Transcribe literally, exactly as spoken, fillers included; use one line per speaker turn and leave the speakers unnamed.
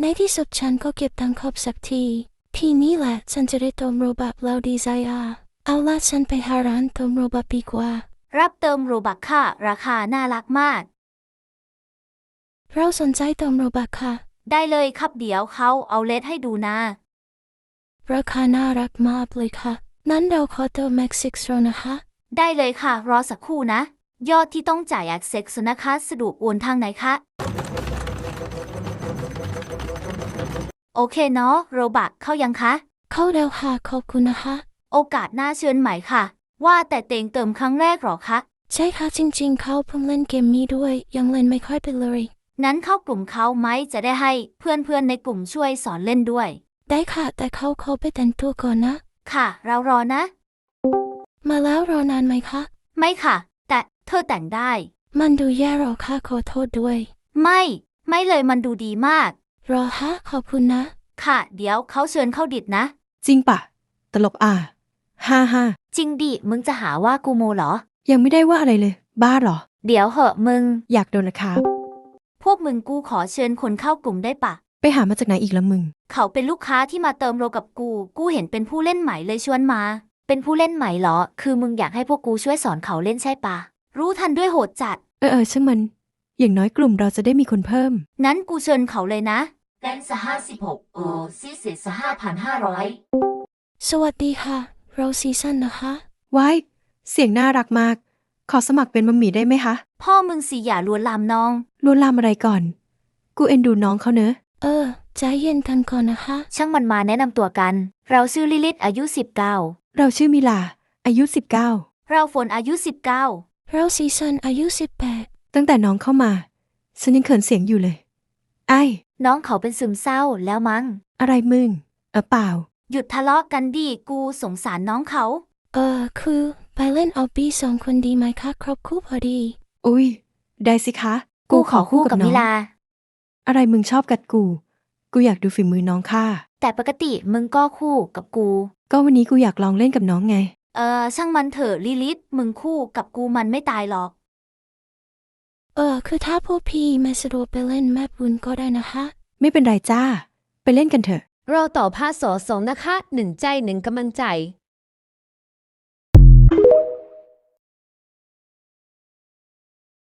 ในที่สุดฉันก็เก็บตังค์ครบสักทีทีนี้แหละฉันจะได้เติมโรบัคแล้วดีใจอ่ะเอาล่ะฉันไปหาร้านเติมโรบัคดีกว่า
รับเติมโรบัคค่ะราคาน่ารักมาก
เราสนใจเติมโรบัคค่ะ
ได้เลยครับเดี๋ยวเขาเอาเลทให้ดูนะ
ราคาน่ารักมากเลยค่ะนั้นเราขอเติมแม็กซิกโรนะคะ
ได้เลยค่ะรอสักครู่นะยอดที่ต้องจ่ายอักเซ็กซ์นะคะสะดวกโอนทางไหนคะโอเคเนาะโรบัคเข้ายังคะ
เข้าแล้วค่ะขอบคุณนะคะ
โอกาสหน้าเชิญใหม่ค่ะว่าแต่เต็งเติมครั้งแรกหรอคะ
ใช่ค่ะจริงๆเขาเพิ่งเล่นเกมนี้ด้วยยังเล่นไม่ค่อยเป็นเลย
งั้นเข้ากลุ่มเขาไหมจะได้ให้เพื่อนๆในกลุ่มช่วยสอนเล่นด้วย
ได้ค่ะแต่เขาเขาไปแต่งตัวก่อนนะ
ค่ะเรารอนะ
มาแล้วรอนานไหมคะ
ไม่ค่ะแต่เธอแต่งได้
มันดูแย่หรอค่ะขอโทษด้วย
ไม่ไม่เลยมันดูดีมาก
รอฮะขอบคุณนะ
ค่ะเดี๋ยวเขาเชิญเข้าดิดนะ
จริงปะตลกอ่ะฮ่าฮ่า
จริงดิมึงจะหาว่ากูโมเหรอ
ยังไม่ได้ว่าอะไรเลยบ้าเหรอ
เดี๋ยวเหอะมึง
อยากโดนนะครับ
พวกมึงกูขอเชิญคนเข้ากลุ่มได้ปะ
ไปหามาจากไหนอีกละมึง
เขาเป็นลูกค้าที่มาเติมโลกับกูกูเห็นเป็นผู้เล่นใหม่เลยชวนมาเป็นผู้เล่นใหม่เหรอคือมึงอยากให้พวกกูช่วยสอนเขาเล่นใช่ปะรู้ทันด้วยโหดจัด
เออเออช่างมันอย่างน้อยกลุ่มเราจะได้มีคนเพิ่ม
งั้นกูเชิญเขาเลยนะแกนสห้าสิบหกโอซีเศษสห้าพันห้าร้อย
สวัสดีค่ะเราซีซันนะคะ
ว้ายเสียงน่ารักมากขอสมัครเป็นมัมหมี่ได้ไหมคะ
พ่อมึงสิอย่าลวนลามน้อง
ลวนลามอะไรก่อนกูเอ็นดูน้องเขาเนอะ
เออใจเย็นกันก่อนนะคะ
ช่างมันมาแนะนำตัวกันเราชื่อลิลิตอายุสิบเก้า
เราชื่อมิลาอายุสิบเก้า
เราฝนอายุสิบเก้า
เราซีซันอายุสิบแปด
ตั้งแต่น้องเข้ามาฉันยังเขินเสียงอยู่เลยไอ้
น้องเขาเป็นซึมเศร้าแล้วมั้ง
อะไรมึงเออเปล่า
หยุดทะเลาะกันดิกูสงสารน้องเขา
เออคือไปเล่นออบบี้สองคนดีไหมคะครบคู่พอดี
อุ้ยได้สิคะ
กูขอคู่กับมิลา
อะไรมึงชอบกัดกูกูอยากดูฝีมือน้องค่ะ
แต่ปกติมึงก็คู่กับกู
ก็วันนี้กูอยากลองเล่นกับน้องไง
เออช่างมันเถอะลิลิตมึงคู่กับกูมันไม่ตายหรอก
เออคือถ้าพวกพี่ไม่สะดวกไปเล่นแม่บุญก็ได้นะคะ
ไม่เป็นไรจ้าไปเล่นกันเถอะ
เราต่อภาคสอสองนะคะหนึ่งใจหนึ่งกำลังใจ